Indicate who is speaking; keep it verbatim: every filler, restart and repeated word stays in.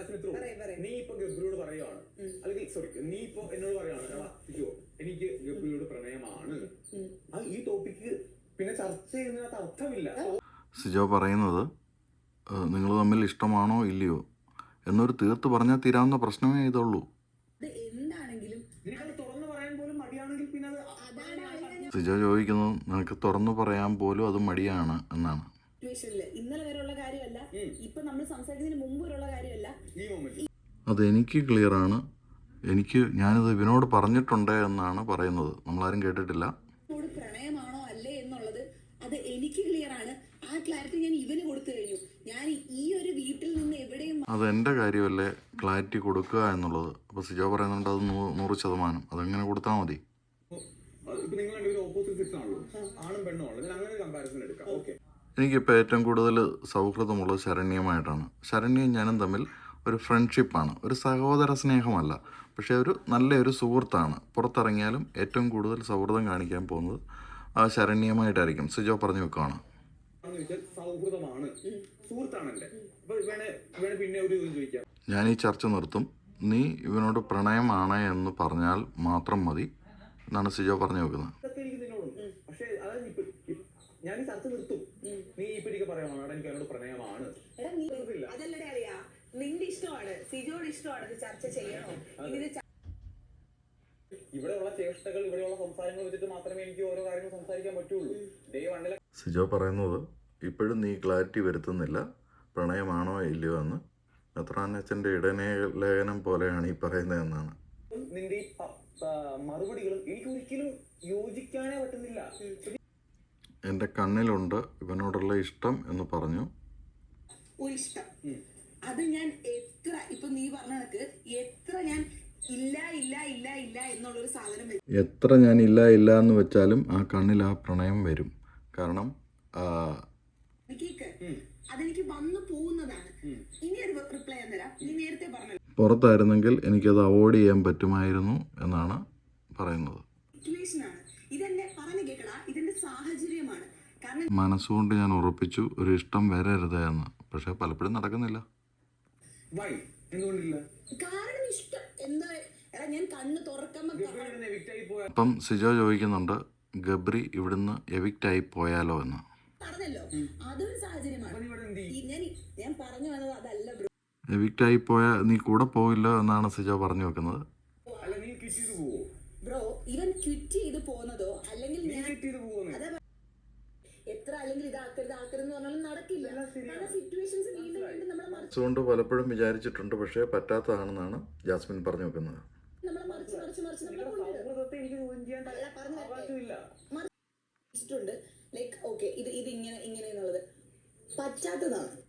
Speaker 1: നീ ഇപ്പൊ ഗബ്രിയോട് പറയുവാണ്, അല്ലെങ്കിൽ സോറി നീ ഇപ്പൊ എന്നോട് പറയുവാണ് എനിക്ക് ഗബ്രിയോട് പ്രണയമാണ്, ഈ ടോപ്പിക്ക് പിന്നെ ചർച്ച ചെയ്യുന്നതിനകത്ത് അർത്ഥമില്ല.
Speaker 2: സിജോ പറയുന്നത് നിങ്ങൾ തമ്മിൽ ഇഷ്ടമാണോ ഇല്ലയോ എന്നൊരു തീർത്ത് പറഞ്ഞാൽ തീരാവുന്ന പ്രശ്നമേ ഇതുള്ളൂ. സിജോ ചോദിക്കുന്നത് നിനക്ക് തുറന്നു പറയാൻ പോലും അത് മടിയാണ് എന്നാണ്.
Speaker 3: ഇന്നലെ വരെയുള്ള കാര്യമല്ല, ഇപ്പൊ നമ്മൾ സംസാരിക്കുന്നതിന് മുമ്പ് വരെയുള്ള കാര്യമല്ല.
Speaker 2: അതെനിക്ക് ക്ലിയറാണ്. എനിക്ക് ഞാനിത് ഇവനോട് പറഞ്ഞിട്ടുണ്ട് എന്നാണ് പറയുന്നത്. നമ്മളാരും കേട്ടിട്ടില്ല.
Speaker 3: പ്രണയമാണോ അല്ലേ എന്നുള്ളത് അത് എനിക്ക് ക്ലിയർ ആണ്. ആ ക്ലാരിറ്റി ഞാൻ ഇവന് കൊടുത്തു കഴിഞ്ഞു. ഞാൻ ഈ ഒരു വീട്ടിൽ നിന്ന് എവിടെയും
Speaker 2: അത് എൻ്റെ കാര്യമല്ലേ ക്ലാരിറ്റി കൊടുക്കുക എന്നുള്ളത്. അപ്പോൾ സിജോ പറയുന്നുണ്ട് അത് നൂറ് ശതമാനം അതെങ്ങനെ കൊടുത്താൽ മതി. എനിക്കിപ്പോൾ ഏറ്റവും കൂടുതൽ സൗഹൃദമുള്ളത് ശരണ്യമായിട്ടാണ്. ശരണ്യയും ഞാനും തമ്മിൽ ഒരു ഫ്രണ്ട്ഷിപ്പാണ്, ഒരു സഹോദര സ്നേഹമല്ല, പക്ഷേ ഒരു നല്ലൊരു സുഹൃത്താണ്. പുറത്തിറങ്ങിയാലും ഏറ്റവും കൂടുതൽ സൗഹൃദം കാണിക്കാൻ പോകുന്നത് ആ ശരണ്യമായിട്ടായിരിക്കും. സിജോ പറഞ്ഞു വെക്കുകയാണ്. ഞാൻ ഈ ചർച്ച നിർത്തും. നീ ഇവനോട് പ്രണയമാണ് എന്ന് പറഞ്ഞാൽ മാത്രം മതി എന്നാണ് സിജോ പറഞ്ഞു വെക്കുന്നത്.
Speaker 1: ഞാൻ ഈ ചർച്ച നിർത്തും. നീ ഇപ്പൊ പറയുവാണ് എനിക്ക് അവനോട് പ്രണയമാണ്.
Speaker 3: നിന്റെ ഇഷ്ടമാണ്, സിജോയുടെ ഇഷ്ടമാണ് ചർച്ച ചെയ്യണോ.
Speaker 1: ഇവിടെയുള്ള ചേഷ്ടകൾ, ഇവിടെയുള്ള സംസാരങ്ങൾ വെച്ചിട്ട് മാത്രമേ എനിക്ക് ഓരോ കാര്യങ്ങൾ സംസാരിക്കാൻ പറ്റുള്ളൂ. ഡേ വണ്ണിലെ
Speaker 2: സിജോ പറയുന്നത് ഇപ്പോഴും നീ ക്ലാരിറ്റി വരുത്തുന്നില്ല പ്രണയമാണോ ഇല്ലയോ എന്ന്. മെത്രാനച്ചൻ്റെ ഇടനേ ലേഖനം പോലെയാണ് ഈ പറയുന്നത് എന്നാണ്.
Speaker 1: നിന്റെ ഈ മറുപടികളും എനിക്ക് ഒരിക്കലും യോജിക്കാനേ പറ്റുന്നില്ല.
Speaker 2: എൻ്റെ കണ്ണിലുണ്ട് ഇവനോടുള്ള ഇഷ്ടം എന്ന് പറഞ്ഞു.
Speaker 3: ഒരു ഇഷ്ടം അത് ഞാൻ എത്ര ഇപ്പൊ നീ പറഞ്ഞ കണക്ക് എത്ര ഞാൻ ഇല്ല ഇല്ല ഇല്ല ഇല്ല എന്നുള്ളൊരു സാധനം
Speaker 2: എത്ര ഞാൻ ഇല്ല ഇല്ല എന്ന് വെച്ചാലും ആ കണ്ണിൽ ആ പ്രണയം വരും. കാരണം
Speaker 3: അതെനിക്ക് വന്നു പോകുന്നതാണ്. ഇനി ഒരു റിപ്ലൈ തരാം. നീ നേരത്തെ പറഞ്ഞു
Speaker 2: പുറത്തായിരുന്നെങ്കിൽ എനിക്കത് അവോയ്ഡ് ചെയ്യാൻ പറ്റുമായിരുന്നു എന്നാണ് പറയുന്നത്.
Speaker 3: ഇതെന്നെ പറഞ്ഞു കേൾക്കടാ, ഇതിന്റെ സാഹചര്യമാണ്. കാരണം
Speaker 2: മനസ്സുകൊണ്ട് ഞാൻ ഉറപ്പിച്ചു ഒരു ഇഷ്ടം വരരുത് എന്ന്, പക്ഷെ പലപ്പോഴും നടക്കുന്നില്ല.
Speaker 3: കാരണം ഇഷ്ടം എന്താ ഞാൻ കണ്ണ് തുറക്കുമ്പോ
Speaker 2: അപ്പം സിജോ ചോദിക്കുന്നുണ്ട് ഗബ്രി ഇവിടുന്ന് എവിക്റ്റ് ആയി പോയാലോ എന്ന്.
Speaker 3: പറഞ്ഞല്ലോ അതൊരു സാഹചര്യമാണ്. ഞാൻ പറഞ്ഞു വന്നത് അതല്ല ബ്രോ.
Speaker 2: എവിക്റ്റ് ആയി പോയാൽ നീ കൂടെ പോവില്ല എന്നാണ് സിജോ പറഞ്ഞു വെക്കുന്നത്.
Speaker 3: ബ്രോ ഇവൻ ക്വിറ്റ് ചെയ്ത് പോകുന്നതോ അല്ലെങ്കിൽ എത്ര അല്ലെങ്കിൽ ഇതാക്കരുത് ആക്കരുതെന്ന് പറഞ്ഞാലും നടക്കില്ല. സിറ്റുവേഷൻസ് വീണ്ടും വീണ്ടും നമ്മളെ
Speaker 2: അതുകൊണ്ട് പലപ്പോഴും വിചാരിച്ചിട്ടുണ്ട്, പക്ഷേ പറ്റാത്തതാണെന്നാണ് ജാസ്മിൻ പറഞ്ഞു വെക്കുന്നത്.
Speaker 3: നമ്മളെ മറിച്ച് മറിച്ച് മറിച്ച് നമ്മളെ ലൈക്ക് ഓക്കെ ഇത് ഇത് ഇങ്ങനെ ഇങ്ങനെ എന്നുള്ളത് പറ്റാത്തതാണ്.